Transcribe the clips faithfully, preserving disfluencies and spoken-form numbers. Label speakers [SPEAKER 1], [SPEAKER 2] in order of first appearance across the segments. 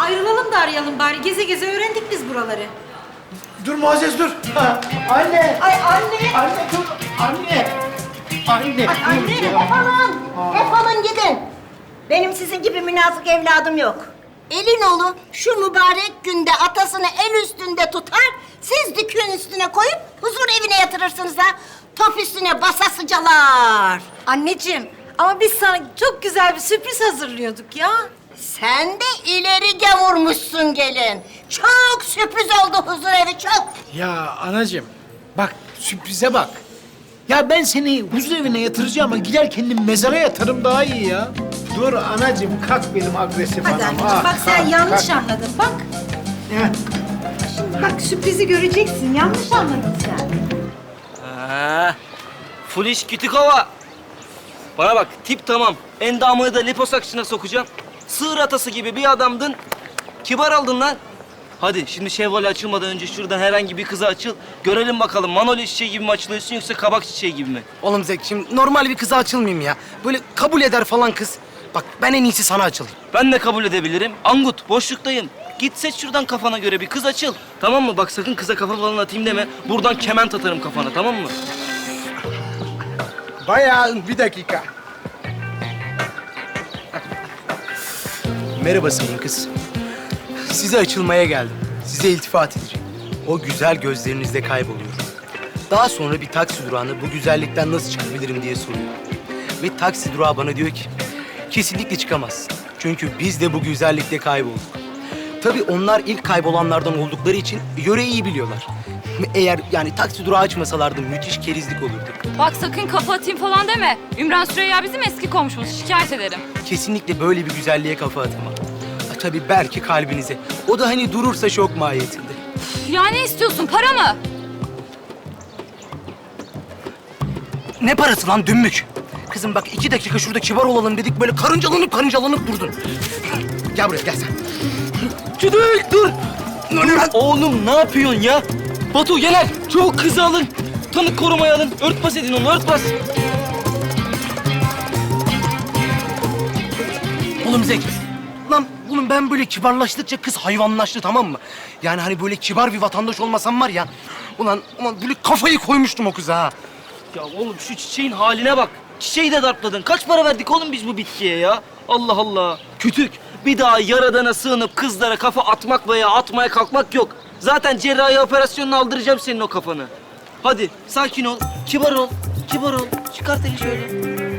[SPEAKER 1] ayrılalım da arayalım bari. Geze geze öğrendik biz buraları.
[SPEAKER 2] Dur Muazzez dur. Ha, anne.
[SPEAKER 1] Ay anne!
[SPEAKER 2] Anne dur. Anne. Anne.
[SPEAKER 1] Ay anne!
[SPEAKER 3] Defolun, defolun gidin. Benim sizin gibi münafık evladım yok. Elin oğlu şu mübarek günde atasını el üstünde tutar, siz dükün üstüne koyup huzur evine yatırırsınız ha. Top üstüne basasıcalar.
[SPEAKER 1] Anneciğim ama biz sana çok güzel bir sürpriz hazırlıyorduk ya.
[SPEAKER 3] Sen de ileri gavurmuşsun gelin. Çok sürpriz oldu huzur evi, çok.
[SPEAKER 2] Ya anacığım bak sürprize bak. Ya ben seni huzur evine yatıracağım ama gider kendim mezara yatarım daha iyi ya. Dur anacığım kalk benim agresif
[SPEAKER 1] Hadi
[SPEAKER 2] anam.
[SPEAKER 1] anneciğim
[SPEAKER 2] Ah,
[SPEAKER 1] bak sen
[SPEAKER 2] kalk,
[SPEAKER 1] yanlış
[SPEAKER 2] kalk.
[SPEAKER 1] anladın bak.
[SPEAKER 2] Heh.
[SPEAKER 1] Şimdi bak sürprizi göreceksin. Yanlış anladın sen.
[SPEAKER 4] Ha, full iş kütük hava. Bana bak, tip tamam. Endamını da liposuction'a sokacağım. Sığır atası gibi bir adamdın. Kibar aldın lan. Hadi şimdi şevval açılmadan önce şuradan herhangi bir kıza açıl. Görelim bakalım Manolya çiçeği gibi mi açılıyorsun yoksa kabak çiçeği gibi mi?
[SPEAKER 5] Oğlum Zek, şimdi normal bir kıza açılmayayım ya. Böyle kabul eder falan kız. Bak ben en iyisi sana açılayım.
[SPEAKER 4] Ben de kabul edebilirim. Angut, boşluktayım. Git seç şuradan kafana göre bir kız açıl. Tamam mı? Bak sakın kıza kafa falan atayım deme. Buradan kement atarım kafana, tamam mı?
[SPEAKER 2] Bayağı bir dakika.
[SPEAKER 5] Merhaba sayın kız. Size açılmaya geldim. Size iltifat edeceğim. O güzel gözlerinizde kayboluyorum. Daha sonra bir taksi durağına bu güzellikten nasıl çıkabilirim diye soruyor. Ve taksi durağı bana diyor ki, kesinlikle çıkamazsın. Çünkü biz de bu güzellikte kaybolduk. Tabii onlar ilk kaybolanlardan oldukları için yöreyi iyi biliyorlar. Eğer yani taksi durağı açmasalardı müthiş kerizlik olurdu.
[SPEAKER 6] Bak sakın kafa atayım falan deme. Ümran Süreyya bizim eski komşumuz. Şikayet ederim.
[SPEAKER 5] Kesinlikle böyle bir güzelliğe kafa atamam. Ha, tabii belki kalbinize. O da hani durursa şok mahiyetinde.
[SPEAKER 6] Ya ne istiyorsun? Para mı?
[SPEAKER 5] Ne parası lan dümbük? Kızım bak iki dakika şurada kibar olalım dedik böyle karıncalanıp karıncalanıp durdun. Gel buraya gel sen.
[SPEAKER 4] Çüdük dur! Oğlum ne yapıyorsun ya? Batu gel. Çabuk kızı alın. Tanık korumaya alın. Örtbas edin onu, örtbas.
[SPEAKER 5] Oğlum Zek. Lan oğlum ben böyle kibarlaştıkça kız hayvanlaştı tamam mı? Yani hani böyle kibar bir vatandaş olmasam var ya. Ulan, ulan böyle kafayı koymuştum o kıza ha.
[SPEAKER 4] Ya oğlum şu çiçeğin haline bak. Çiçeği de dartladın. Kaç para verdik oğlum biz bu bitkiye ya? Allah Allah. Kütük. Bir daha yaradana sığınıp kızlara kafa atmak veya atmaya kalkmak yok. Zaten cerrahi operasyonunu aldıracağım senin o kafanı. Hadi sakin ol, kibar ol, kibar ol. Çıkart eli şöyle.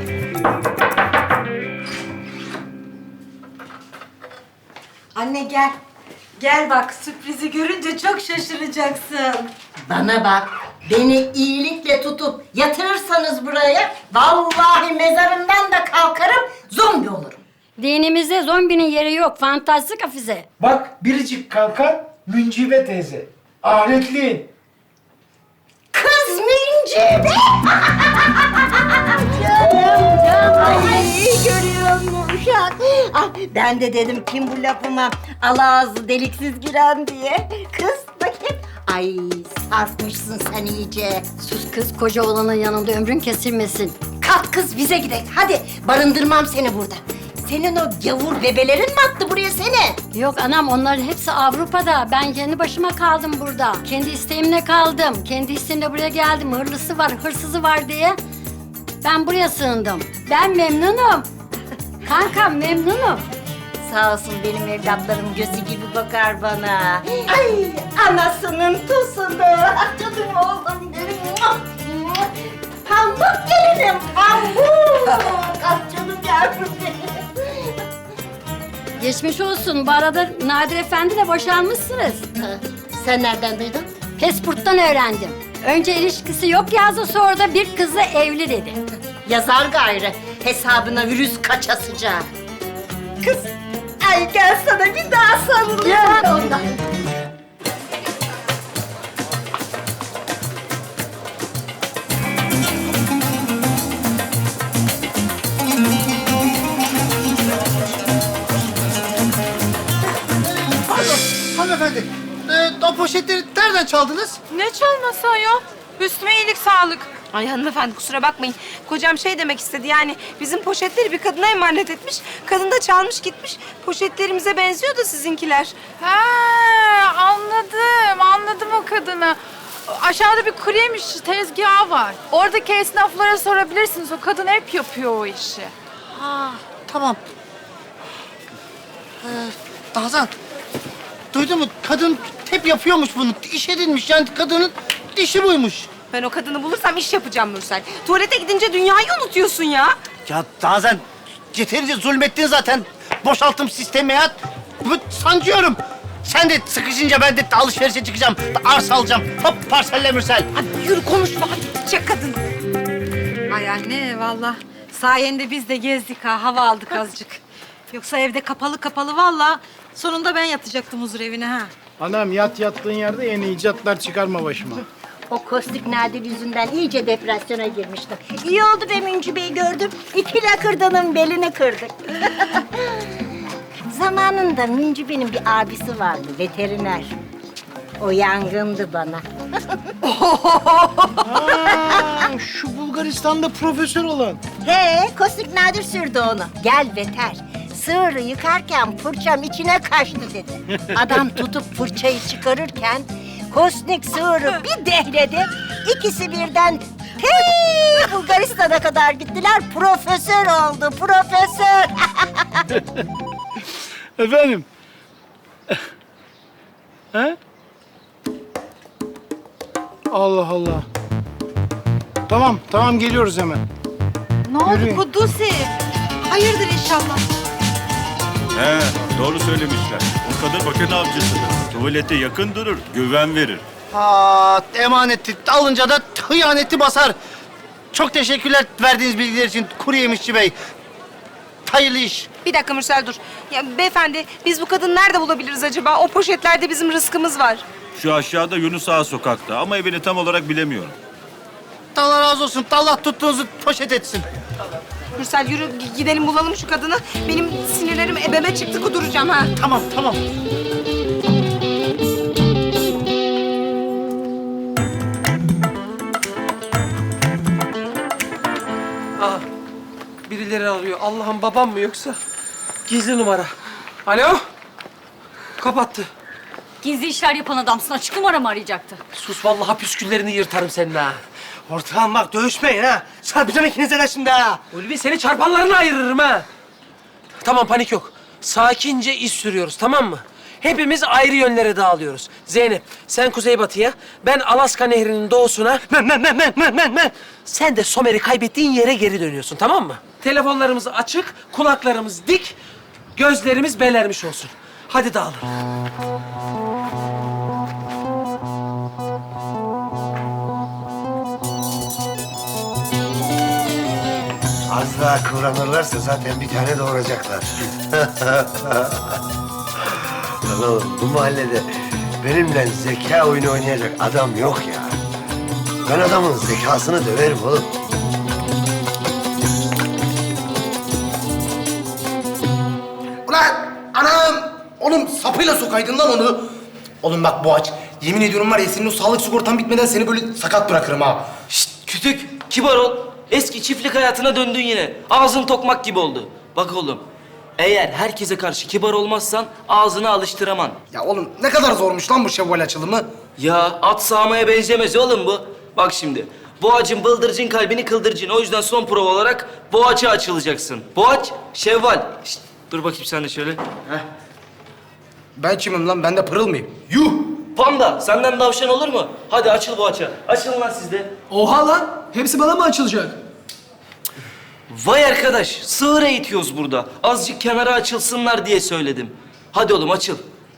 [SPEAKER 1] Anne gel. Gel bak sürprizi görünce çok şaşıracaksın.
[SPEAKER 3] Bana bak, beni iyilikle tutup yatırırsanız buraya, vallahi mezarımdan da kalkarım, zombi olurum.
[SPEAKER 7] Dinimizde zombinin yeri yok. Fantastik hafize.
[SPEAKER 2] Bak biricik kalkan Müncibe teyze. Ahiretliğin.
[SPEAKER 3] Kız Mincibe! Canım, canım. Ay, görüyor musun uşak? Ah, ben de dedim kim bu lafıma ala ağzı deliksiz giren diye. Kız bakayım. Ay sarfmışsın sen iyice.
[SPEAKER 7] Sus kız, koca olanın yanında ömrün kesilmesin.
[SPEAKER 3] Kalk kız bize gidelim. Hadi barındırmam seni burada. Senin o gavur bebelerin mi attı buraya seni?
[SPEAKER 7] Yok anam, onların hepsi Avrupa'da. Ben kendi başıma kaldım burada. Kendi isteğimle kaldım. Kendi isteğimle buraya geldim. Hırlısı var, hırsızı var diye. Ben buraya sığındım. Ben memnunum. Kankam memnunum.
[SPEAKER 3] Sağ olsun benim evlatlarım gözü gibi bakar bana. Ay anasının tusunu. Ah, canım oğlum benim. Pamuk gelinim pamuk. Ah canım yavrum benim.
[SPEAKER 7] Geçmiş olsun. Bu arada Nadir Efendi'yle boşanmışsınız.
[SPEAKER 3] Ha, sen nereden duydun?
[SPEAKER 7] Pasport'tan öğrendim. Önce ilişkisi yok yazdı, sonra da bir kızla evli dedi.
[SPEAKER 3] Yazar gayrı. Hesabına virüs kaçasıca. Kız, ay gel sana bir daha sarılayım. Gel ondan.
[SPEAKER 2] Pardon hanımefendi. Ee, o poşetleri nereden çaldınız?
[SPEAKER 6] Ne çalması ayol? Üstüme iyilik sağlık.
[SPEAKER 8] Ay hanımefendi kusura bakmayın. Kocam şey demek istedi yani bizim poşetleri bir kadına emanet etmiş. Kadın da çalmış gitmiş. Poşetlerimize benziyor da sizinkiler.
[SPEAKER 9] Ha, anladım, anladım o kadını. Aşağıda bir kuru yemiş tezgahı var. Oradaki esnaflara sorabilirsiniz. O kadın hep yapıyor o işi.
[SPEAKER 5] Ha, tamam. Ee, Nazan, duydun mu? Kadın hep yapıyormuş bunu. İş edinmiş yani kadının işi buymuş.
[SPEAKER 8] Ben o kadını bulursam iş yapacağım Mürsel. Tuvalete gidince dünyayı unutuyorsun ya.
[SPEAKER 5] Ya Nazan, yeterince zulmettin zaten. Boşaltım sistemi ya. Bu sancıyorum. Sen de sıkışınca ben de alışverişe çıkacağım. Arsa alacağım. Hop parselle Mürsel.
[SPEAKER 8] Hadi yürü konuşma hadi gidecek kadın.
[SPEAKER 1] Ay anne vallahi sayende biz de gezdik ha, hava aldık azıcık. Yoksa evde kapalı kapalı vallahi sonunda ben yatacaktım huzur evine ha.
[SPEAKER 2] Anam yat yattığın yerde yeni icatlar çıkarma başıma.
[SPEAKER 3] O kostik Nadir yüzünden iyice depresyona girmiştim. İyi oldu be Münci Bey'i gördüm. İki lakırdanın belini kırdık. Zamanında Münci Bey'in bir abisi vardı, veteriner. O yangındı bana.
[SPEAKER 2] Aa, şu Bulgaristan'da profesör olan.
[SPEAKER 3] He, kostik Nadir sürdü onu. Gel veter. Sığırı yıkarken fırçam içine kaçtı dedi. Adam tutup fırçayı çıkarırken kostik sığırı bir dehledi. İkisi birden hey Bulgaristan'a kadar gittiler. Profesör oldu, profesör.
[SPEAKER 2] Efendim? He? Allah Allah. Tamam, tamam geliyoruz hemen.
[SPEAKER 1] Ne oldu
[SPEAKER 2] Yürüyün.
[SPEAKER 1] Kudusi? Hayırdır inşallah.
[SPEAKER 10] He, doğru söylemişler. O kadın bakın avcısıdır. Tuvalete yakın durur, güven verir.
[SPEAKER 5] Ha, emaneti alınca da hıyaneti basar. Çok teşekkürler verdiğiniz bilgiler için kuru yemişçi bey. Hayırlı iş.
[SPEAKER 8] Bir dakika Mürsel dur. Ya beyefendi biz bu kadını nerede bulabiliriz acaba? O poşetlerde bizim rızkımız var.
[SPEAKER 10] Şu aşağıda Yunus Ağa sokakta ama evini tam olarak bilemiyorum.
[SPEAKER 5] Allah razı olsun. Allah tuttuğunuzu poşet etsin.
[SPEAKER 8] Mürsel yürü g- gidelim bulalım şu kadını. Benim sinirlerim ebeme çıktı kuduracağım ha.
[SPEAKER 5] Tamam, tamam.
[SPEAKER 11] Aa, birileri arıyor. Allah'ım babam mı yoksa? Gizli numara. Alo? Kapattı.
[SPEAKER 6] Gizli işler yapan adamsın. Açık numara mı arayacaktı?
[SPEAKER 11] Sus vallahi püsküllerini yırtarım senin ha. Ortağım bak dövüşmeyin ha. Çarpacağım ikinize de şimdi ha. Ulvi seni çarpanlarına ayırırım ha. Tamam panik yok. Sakince iş sürüyoruz tamam mı? Hepimiz ayrı yönlere dağılıyoruz. Zeynep sen kuzeybatıya, ben Alaska Nehri'nin doğusuna. Men, men, men, men, men, men, men. Sen de Somer'i kaybettiğin yere geri dönüyorsun tamam mı? Telefonlarımız açık, kulaklarımız dik, gözlerimiz belermiş olsun. Hadi dağılın.
[SPEAKER 12] Az daha kıvranırlarsa zaten bir tane doğuracaklar. Lan oğlum bu mahallede benimle zeka oyunu oynayacak adam yok ya. Ben adamın zekasını döverim oğlum.
[SPEAKER 5] Ulan anam! Oğlum sapıyla sokaydın lan onu. Oğlum bak Boğaç, yemin ediyorum var ya senin o sağlık sigortan bitmeden seni böyle sakat bırakırım ha.
[SPEAKER 4] Şşt kütük, kibar ol. Eski çiftlik hayatına döndün yine. Ağzın tokmak gibi oldu. Bak oğlum, eğer herkese karşı kibar olmazsan ağzını alıştıraman.
[SPEAKER 5] Ya oğlum ne kadar zormuş lan bu şevval açılımı.
[SPEAKER 4] Ya at sağmaya benzemez oğlum bu. Bak şimdi, Boğaç'ın bıldırcın kalbini kıldırcın. O yüzden son prova olarak Boğaç'a açılacaksın. Boğaç, Şevval. Şşt, dur bakayım sen de şöyle.
[SPEAKER 5] Ben kimim lan? Ben de pırıl mıyım? Yuh!
[SPEAKER 4] Panda, senden davşan olur mu? Hadi açıl Boğaç'a. Açılın lan siz de.
[SPEAKER 11] Oha lan! Hepsi bana mı açılacak?
[SPEAKER 4] Vay arkadaş, sığır eğitiyoruz burada. Azıcık kenara açılsınlar diye söyledim. Hadi oğlum açıl.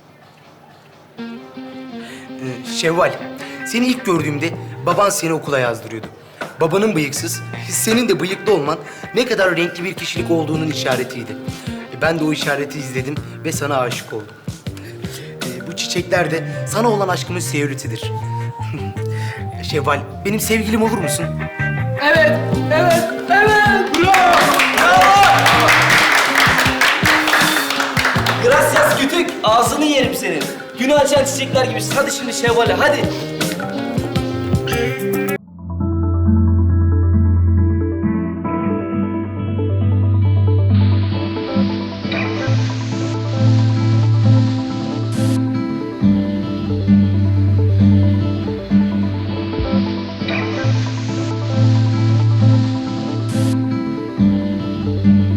[SPEAKER 5] Ee, Şevval, seni ilk gördüğümde baban seni okula yazdırıyordu. Babanın bıyıksız, senin de bıyıklı olman ne kadar renkli bir kişilik olduğunun işaretiydi. E, Ben de o işareti izledim ve sana aşık oldum. E, bu çiçekler de sana olan aşkımın seyrütüdür. Şevval, benim sevgilim olur musun?
[SPEAKER 11] Evet, evet, evet!
[SPEAKER 4] Gracias kütük. Ağzını yerim senin. Günü açan çiçekler gibisin. Hadi şimdi Şevval'e hadi.